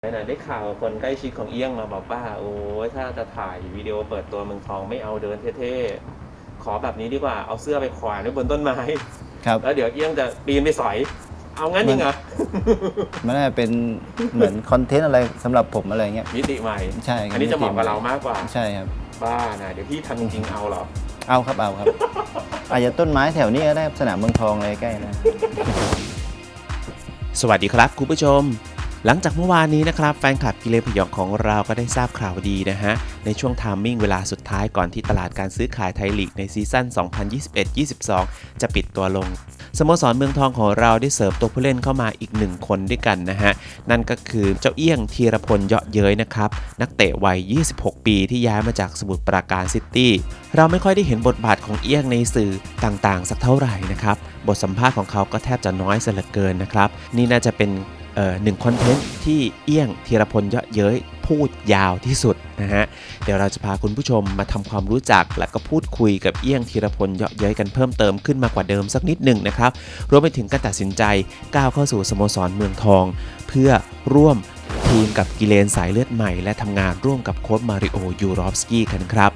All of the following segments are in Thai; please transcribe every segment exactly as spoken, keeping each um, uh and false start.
ไหนๆได้ข่าวคนใกล้ชิดของเอี้ยงมาบอกว่าโอ้ยถ้าจะถ่ายวิดีโอเปิดตัวเมืองทองไม่เอาเดินเท่ๆขอแบบนี้ดีกว่าเอาเสื้อไปแขวนไว้บนต้นไม้ครับแล้วเดี๋ยวเอี้ยงจะปีนไปสอยเอางั้นจริงเหรอมันน่าจะเป็นเหมือนคอนเทนต์อะไรสำหรับผมอะไรเงี้ยมิติใหม่ใช่ครับอันนี้จะเหมาะกับเรามากกว่าใช่ครับบ้านะเดี๋ยวพี่ทำจริงๆเอาเหรอเอาครับเอาครับอาจจะต้นไม้แถวนี้ก็ได้สนามเมืองทองอะไรใกล้นะสวัสดีครับคุณผู้ชมหลังจากเมื่อวานนี้นะครับแฟนคลับกิเลนพยองของเราก็ได้ทราบข่าวดีนะฮะในช่วงไทามมิ่งเวลาสุดท้ายก่อนที่ตลาดการซื้อขายไทยลีกในซีซั่น สองพันยี่สิบเอ็ด ยี่สิบสอง จะปิดตัวลงสโมสรเมืองทองของเราได้เสริมตัวผู้เล่นเข้ามาอีกหนึ่งคนด้วยกันนะฮะนั่นก็คือเจ้าเอี้ยงธีรพลเยาะเย้ยนะครับนักเตะวัยยี่สิบหกปีที่ย้ายมาจากสมุทรปราการซิตี้เราไม่ค่อยได้เห็นบทบาทของเอี้ยงในสื่อต่างๆสักเท่าไหร่นะครับบทสัมภาษณ์ของเขาก็แทบจะน้อยเสียเหลือเกินนะครับนี่น่าจะเป็นเอ่อหนึ่งคอนเทนต์ที่เอี้ยงธีรพลเยาะเย้ยพูดยาวที่สุดนะฮะเดี๋ยวเราจะพาคุณผู้ชมมาทำความรู้จักและก็พูดคุยกับเอี้ยงธีรพลเยาะเย้ยกันเพิ่มเติมขึ้นมากว่าเดิมสักนิดหนึ่งนะครับรวมไปถึงการตัดสินใจก้าวเข้าสู่สโมสรเมืองทองเพื่อร่วมทีมกับกิเลนสายเลือดใหม่และทำงานร่วมกับโค้ชมาริโอยูรอฟสกี้กันครับ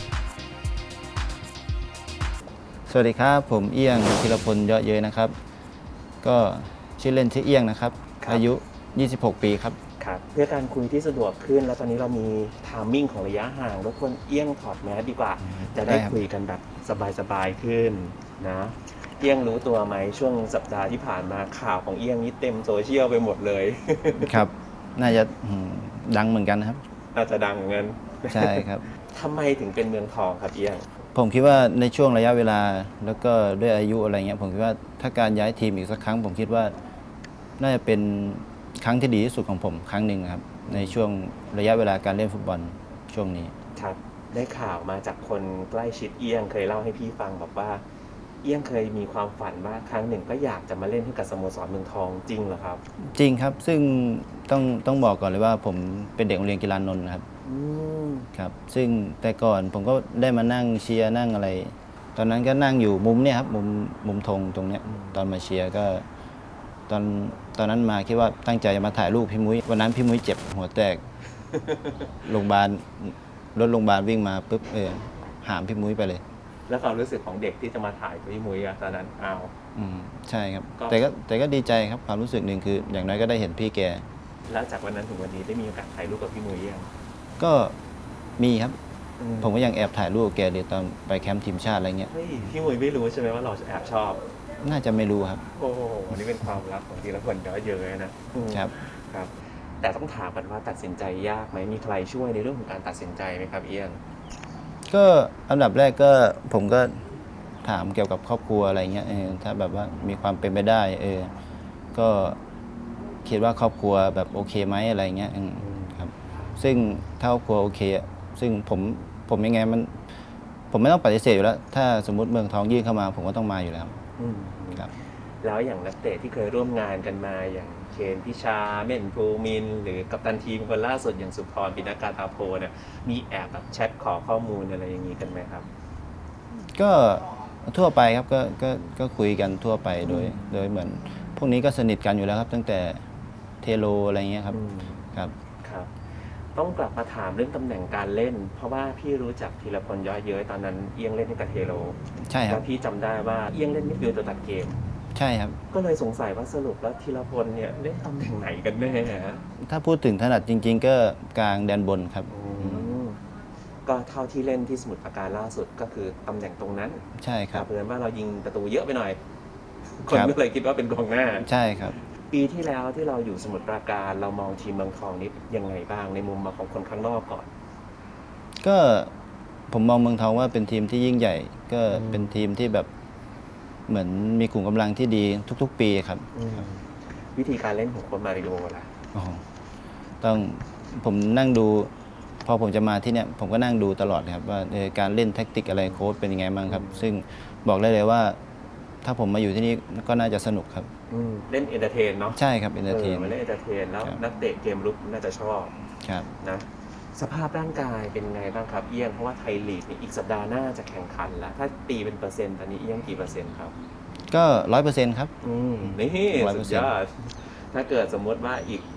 สวัสดีครับผมเอี้ยงธีรพลเยาะเย้ยนะครับก็ชื่อเล่นชื่อเอี้ยงนะครับอายุยี่สิบหกปีครับครับเพื่อการคุยที่สะดวกขึ้นแล้วตอนนี้เรามีไทามมิ่งของระยะห่างรบกวนเอี้ยงถอดแมสดีกว่าจะได้คุยกันแบบสบายๆขึ้นนะเอี้ยงรู้ตัวไหมช่วงสัปดาห์ที่ผ่านมาข่าวของเอี้ยงนี่เต็มโซเชียลไปหมดเลยครับน่าจะดังเหมือนกันนะครับอาจจะดังเหมือนกันใช่ครับทำไมถึงเป็นเมืองทองครับเอี้ยงผมคิดว่าในช่วงระยะเวลาแล้วก็ด้วยอายุอะไรเงี้ยผมคิดว่าถ้าการย้ายทีมอีกสักครั้งผมคิดว่าน่าจะเป็นครั้งที่ดีที่สุดของผมครั้งหนึ่งครับในช่วงระยะเวลาการเล่นฟุตบอลช่วงนี้ครับได้ข่าวมาจากคนใกล้ชิดเอี้ยงเคยเล่าให้พี่ฟังบอกว่าเอี้ยงเคยมีความฝันว่าครั้งหนึ่งก็อยากจะมาเล่นให้กับสโมสรเมืองทองจริงเหรอครับจริงครับซึ่งต้องต้องบอกก่อนเลยว่าผมเป็นเด็กโรงเรียนกีฬานนท์นะครับครับซึ่งแต่ก่อนผมก็ได้มานั่งเชียร์นั่งอะไรตอนนั้นก็นั่งอยู่มุมเนี่ยครับมุมมุมธงตรงเนี้ยตอนมาเชียร์ก็ตอนตอนนั้นมาคิดว่าตั้งใจจะมาถ่ายรูปพี่มุ้ยวันนั้นพี่มุ้ยเจ็บหัวแตกโรงพยาบาลรถโรงพยาบาลวิ่งมาปุ๊บเออหามพี่มุ้ยไปเลยแล้วความรู้สึกของเด็กที่จะมาถ่ายพี่มุ้ยอะตอนนั้นอ้าวอืมใช่ครับแต่ก็แต่ก็ดีใจครับความรู้สึกหนึ่งคืออย่างน้อยก็ได้เห็นพี่แกแล้วจากวันนั้นถึงวันนี้ได้มีโอกาสถ่ายรูปกับพี่มุ้ยยังก็มีครับผมก็ยังแอบถ่ายรูปแกเดี๋ยวตอนไปแคมป์ทีมชาติอะไรเงี้ยเฮ้ยพี่มุ้ยไม่รู้ใช่ไหมว่าเราแอบชอบน่าจะไม่รู้ครับโอ้โหอันนี้เป็นความลับของทีละคนเยอะเยอะนะครับครับแต่ต้องถามกันว่าตัดสินใจยากไหมมีใครช่วยในเรื่องของการตัดสินใจไหมครับเอี้ยงก็อันดับแรกก็ผมก็ถามเกี่ยวกับครอบครัวอะไรเงี้ยเออถ้าแบบว่ามีความเป็นไปได้เออก็คิดว่าครอบครัวแบบโอเคไหมอะไรเงี้ยครับซึ่งถ้าครอบครัวโอเคซึ่งผมผมยังไงมันผมไม่ต้องปฏิเสธอยู่แล้วถ้าสมมติเมืองทองยื่นเข้ามาผมก็ต้องมาอยู่แล้วครับแล้วอย่างนักเตะที่เคยร่วมงานกันมาอย่างเคนพิชาเม่นภูมินหรือกัปตันทีมคนล่าสุดอย่างสุพรปิณกาตาโพเนี่ยมีแอบแบบแชทขอข้อมูลอะไรอย่างนี้กันไหมครับก็ทั่วไปครับก็ก็ก็คุยกันทั่วไปโดยโดยเหมือนพวกนี้ก็สนิทกันอยู่แล้วครับตั้งแต่เทโลอะไรเงี้ยครับครับครับต้องกลับมาถามเรื่องตำแหน่งการเล่นเพราะว่าพี่รู้จักธีรพลเยาะเย้ยตอนนั้นเอี้ยงเล่นให้กับเทโลใช่ครับแล้วพี่จำได้ว่าเอี้ยงเล่นมิดฟิลด์ตัวตัดเกมใช่ครับก็เลยสงสัยว่าสรุปแล้วธีรพลเนี่ยเล่นตำแหน่งไหนกันแน่ฮะถ้าพูดถึงถนัดจริงๆก็กลางแดนบนครับก็เท่าที่เล่นที่สมุทรปราการล่าสุดก็คือตำแหน่งตรงนั้นใช่ครับเพื่อนว่าเรายิงประตูเยอะไปหน่อยคนก็เลยคิดว่าเป็นกองหน้าใช่ครับปีที่แล้วที่เราอยู่สมุทรปราการเรามองทีมเมืองทองนี้ยังไงบ้างในมุมมองของคนข้างนอกก่อนก็ผมมองเมืองทองว่าเป็นทีมที่ยิ่งใหญ่ก็เป็นทีมที่แบบเหมือนมีกลุ่มกำลังที่ดีทุกๆปีครับวิธีการเล่นของโค้ชมาริโอล่ะต้องผมนั่งดูพอผมจะมาที่เนี่ยผมก็นั่งดูตลอดครับว่าการเล่นแท็กติกอะไรโค้ชเป็นยังไงบ้างครับซึ่งบอกได้เลยว่าถ้าผมมาอยู่ที่นี่ก็น่าจะสนุกครับเล่นเอนเตอร์เทนเนาะใช่ครับเอนเตอร์เทนมาเล่นเอนเตอร์เทนแล้วนักเตะเกมลุกน่าจะชอบครับนะสภาพร่างกายเป็นไงบ้างครับเอี้ยงเพราะว่าไทยลีกอีกสัปดาห์หน้าจะแข่งขันแล้วถ้าตีเป็นเปอร์เซ็นต์ตอนนี้เอี้ยงกี่เปอร์เซ็นต์ครับก็ร้อยเปอร์เซ็นต์ครับอืมนี่สุดยอดถ้าเกิดสมมติว่าอีก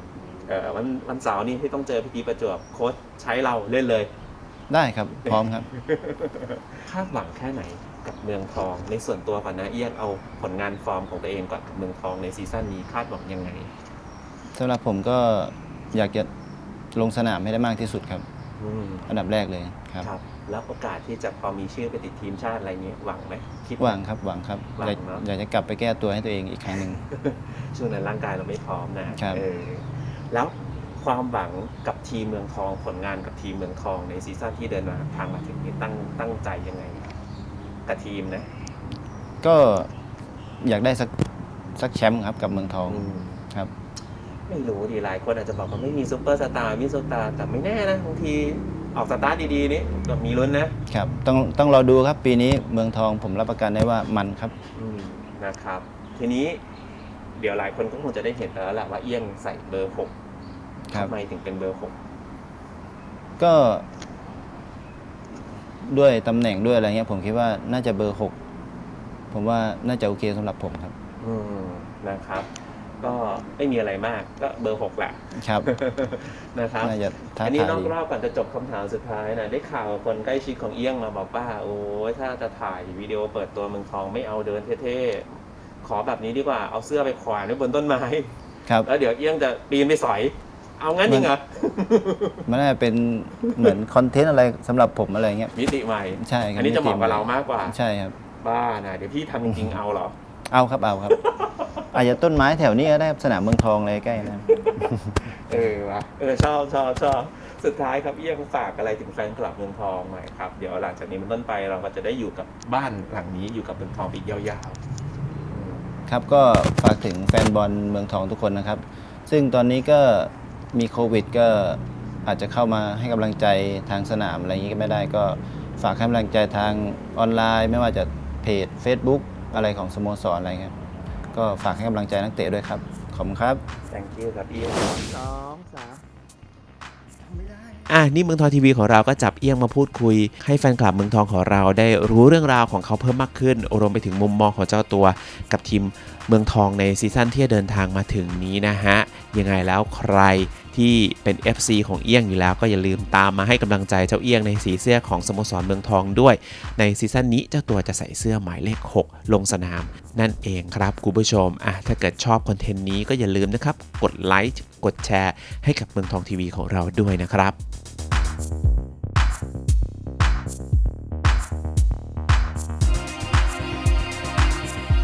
เอ่อวันวันเสาร์นี้ที่ต้องเจอพีทีประจวบโค้ชใช้เราเล่นเลยได้ครับพร้อมครับคาดหวังแค่ไหนกับเมืองทองในส่วนตัวก่อนนะเอี้ยงเอาผลงานฟอร์มของตัวเองก่อนกับเมืองทองในซีซั่นนี้คาดหวังยังไงสำหรับผมก็อยากจะลงสนามให้ได้มากที่สุดครับอืมอันดับแรกเลยครับครับ แล้วโอกาสที่จะพอมีชื่อไปติดทีมชาติอะไรเงี้ยหวังไหมคิดหวังครับหวังครับหวังอยากเนอะอยากจะกลับไปแก้ตัวให้ตัวเองอีกครั้งหนึ่งช่วงนั้นร่างกายเราไม่พร้อมนะครับ เออแล้วความหวังกับทีมเมืองทองผลงานกับทีมเมืองทองในซีซั่นที่เดินมาทางมาถึงนี้ตั้งตั้งใจยังไงกับทีมนะก็อยากได้สักสักแชมป์ครับกับเมืองทองอืมครับไม่รู้ดีหลายคนอาจจะบอกว่าไม่มีซุปเปอร์สตาร์มีซุปเปอร์สตาร์แต่ไม่แน่นะบางทีออกสตาร์ทดีๆนี่ก็มีลุ้นนะครับต้องต้องรอดูครับปีนี้เมืองทองผมรับประกันได้ว่ามันครับอืมนะครับ ทีนี้เดี๋ยวหลายคนก็คงจะได้เห็นแล้วแหละว่าเอี้ยงใส่เบอร์หกครับทำไมถึงเป็นเบอร์หกก็ด้วยตำแหน่งด้วยอะไรเงี้ยผมคิดว่าน่าจะเบอร์หกผมว่าน่าจะโอเคสำหรับผมครับอืมนะครับ ก็ไม่มีอะไรมากก็เบอร์หกแหละครับนะครับน่าจะท้าอันนี้ทายนอกดีรอบก่อนจะจบคำถามสุดท้ายนะได้ข่าวคนใกล้ชิดของเอี้ยงมาบอกว่าโอ้ยถ้าจะถ่ายวิดีโอเปิดตัวเมืองทองไม่เอาเดินเท่ๆขอแบบนี้ดีกว่าเอาเสื้อไปแขวนไว้บนต้นไม้ครับแล้วเดี๋ยวเอี้ยงจะปีนไปสอย เอางั้นจริงเหรอมันน่าจะเป็นเหมือนคอนเทนต์อะไรสำหรับผมอะไรเงี้ยมิติใหม่ใช่ครับอันนี้จะเหมาะกับเรามากกว่าใช่ครับบ้านะเดี๋ยวพี่ทำจริงๆเอาเหรอเอาครับเอาครับ อาจจะต้นไม้แถวนี้ก็ได้ครับสนามเมืองทองเลยใกล้นะครับเออวะเออชอบชอบชอบสุดท้ายครับเอี้ยงฝากอะไรถึงแฟนคลับเมืองทองหน่อยครับเดี๋ยวหลังจากนี้เป็นต้นไปเราก็จะได้อยู่กับบ้านหลังนี้อยู่กับเมืองทองไปอีกยาวๆอืมครับก็ฝากถึงแฟนบอลเมืองทองทุกคนนะครับ ซึ่งตอนนี้ก็มีโควิดก็อาจจะเข้ามาให้กำลังใจทางสนามอะไรอย่างนี้ก็ไม่ได้ก็ฝากให้กำลังใจทางออนไลน์ ไม่ว่าจะเพจ Facebook อะไรของสโมสรอะไรครับก็ฝากให้กำลังใจนักเตะด้วยครับ ขอบคุณครับ thank you ครับเอี้ยงสองสามไม่ได้อ่ะนี่เมืองทองทีวีของเราก็จับเอี้ยงมาพูดคุย ให้แฟนคลับเมืองทองของเราได้รู้เรื่องราวของเขาเพิ่มมากขึ้นรวมไปถึงมุมมองของเจ้าตัวกับทีมเมืองทองในซีซั่นที่จะเดินทางมาถึงนี้นะฮะยังไงแล้วใครที่เป็น เอฟ ซี ของเอี้ยงอยู่แล้วก็อย่าลืมตามมาให้กำลังใจเจ้าเอี้ยงในสีเสื้อของสโมสรเมืองทองด้วยในซีซั่นนี้เจ้าตัวจะใส่เสื้อหมายเลขหกลงสนามนั่นเองครับคุณผู้ชมอ่ะถ้าเกิดชอบคอนเทนต์นี้ก็อย่าลืมนะครับกดไลค์กดแชร์ให้กับเมืองทองทีวีของเราด้วยนะครับ